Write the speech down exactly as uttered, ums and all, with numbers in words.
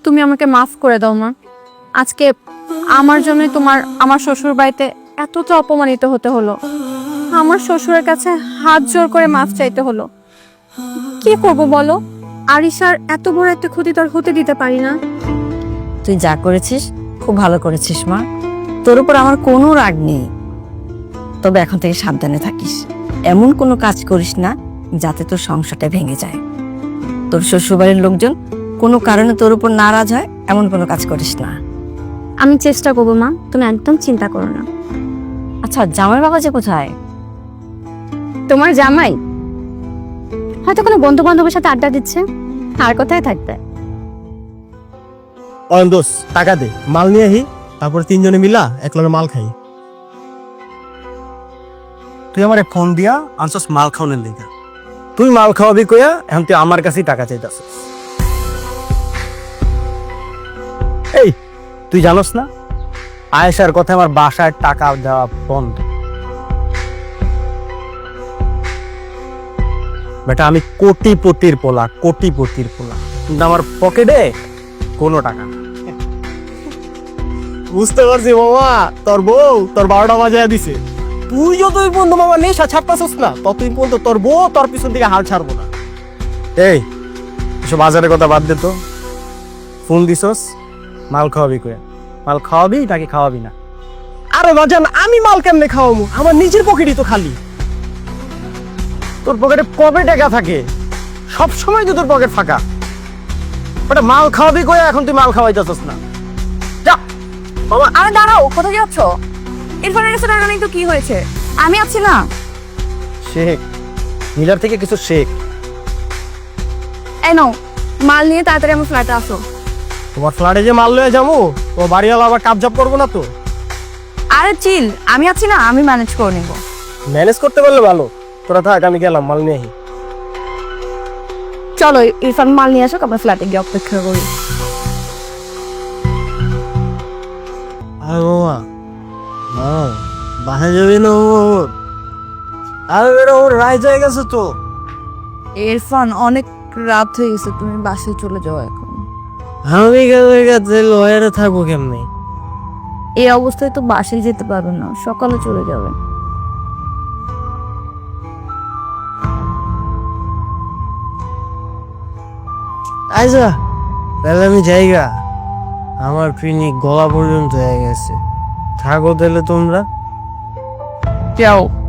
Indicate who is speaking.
Speaker 1: তুমি আমাকে মাফ করে দাও মা। আজকে আমার জন্যই তোমার আমার শ্বশুর বাড়িতে এতটা অপমানিত হতে হলো। আমার শ্বশুরের কাছে হাত জোর করে মাফ চাইতে হলো। কি করব বলো? আরিশার এত বড় একটা ক্ষতি তো আর হতে দিতে পারি না।
Speaker 2: তুই যা করেছিস খুব ভালো করেছিস মা, তোর উপর আমার কোনো রাগ নেই। তবে এখন থেকে সাবধানে থাকিস, এমন কোনো কাজ করিস না যাতে তোর সংসারটা ভেঙে যায়। তোর শ্বশুরবাড়ির লোকজন কোনো কারণে তোর উপর নারাজ হয় এমন কোনো কাজ করিস না।
Speaker 1: আমি চেষ্টা করবো মা, তুমি একদম চিন্তা করো না।
Speaker 2: আচ্ছা, জামাই বাবা যে কোথায়?
Speaker 1: তোমার জামাই হয়তো কোনো বন্ধু বান্ধবের সাথে আড্ডা দিচ্ছে, আর কোথায় থাকবে।
Speaker 3: অয়ন দোষ, টাকা দে, মাল নিয়ে আহি, তারপর তিনজনে মিলা একলগে মাল খাই।
Speaker 4: তুই আমারে ফোন দিয়া আনছস মাল খাওয়ানোর লেগা।
Speaker 3: তুই মাল খাওয়াবি কইয়া এখন তুই আমার কাছেই টাকা চাইতাছিস। এই, তুই জানোস না আয়েশার কথা আমার বাসায় টাকা দেওয়া বন্ধ। বেটা আমি কোটিপতির পোলা, কোটিপতির পোলা, কিন্তু আমার পকেটে কোনো টাকা না। বুঝতে পারছি মামা, তোর বউ তোর বারোটা বাজায় দিছে। তুই যতই পর্যন্ত মামা নেশা ছাড়তাছিস না, ততই পর্যন্ত তোর বউ তোর পিছন থেকে হাল ছাড়বো না। এই এসব বাজারের কথা বাদ দে তো। ফোন দিছস মাল খাওয়াবি কয়ে, মাল খাওয়াবি নাকি খাওয়াবি না? আরে বাজান, আমি মাল কেমনে খাওয়াবো? আমার নিজের পকেটই তো খালি। তোর পকেটে কবে টাকা থাকে? সব সময় তো তোর পকেট ফাঁকা। ওটা মাল খাওয়াবি কয়ে এখন তুই মাল খাওয়াইতেছস না। যা বাবা।
Speaker 1: আরে দাঁড়াও, কোথায় যাচ্ছ? ইরফানের কাছে টাকা নেই তো কি হয়েছে? আমি আছি না।
Speaker 3: শেখ, নীলার থেকে কিছু শেখ।
Speaker 1: এই নাও মাল নিয়ে তাড়াতাড়ি আমার ফ্ল্যাটে আসো।
Speaker 3: তোমার ফ্ল্যাটে যে মাল লয়ে যাবো, তো বাড়িওয়ালা আবার কাবজাব করবো না তো?
Speaker 1: আরে চিল, আমি আছি না, আমি ম্যানেজ করে নিব।
Speaker 3: ম্যানেজ করতে পারলে ভালো। তোরা থাক, আমি গেলাম মাল নিয়ে আহি।
Speaker 1: চলো ইরফান মাল নিয়ে আসো, আমার ফ্ল্যাটে গিয়ে অপেক্ষা করি।
Speaker 3: আরে বাবা, হ্যাঁ বাসা যাবি না? ওর আরে বেটা, ওর রায় হয়ে গেছে তো।
Speaker 1: ইরফান অনেক রাত হয়ে গেছে, তুমি বাসায় চলে যাও এখন।
Speaker 3: আমি গেছে লয়ারে থাকবো কেমনি?
Speaker 1: এই অবস্থায় তো বাসায় যেতে পারবে না, সকালে চলে যাবে।
Speaker 3: আচ্ছা তাহলে আমি যাইগা, আমার পিনি গলা পর্যন্ত হয়ে গেছে। থাকো তাহলে তোমরা।
Speaker 1: যাও।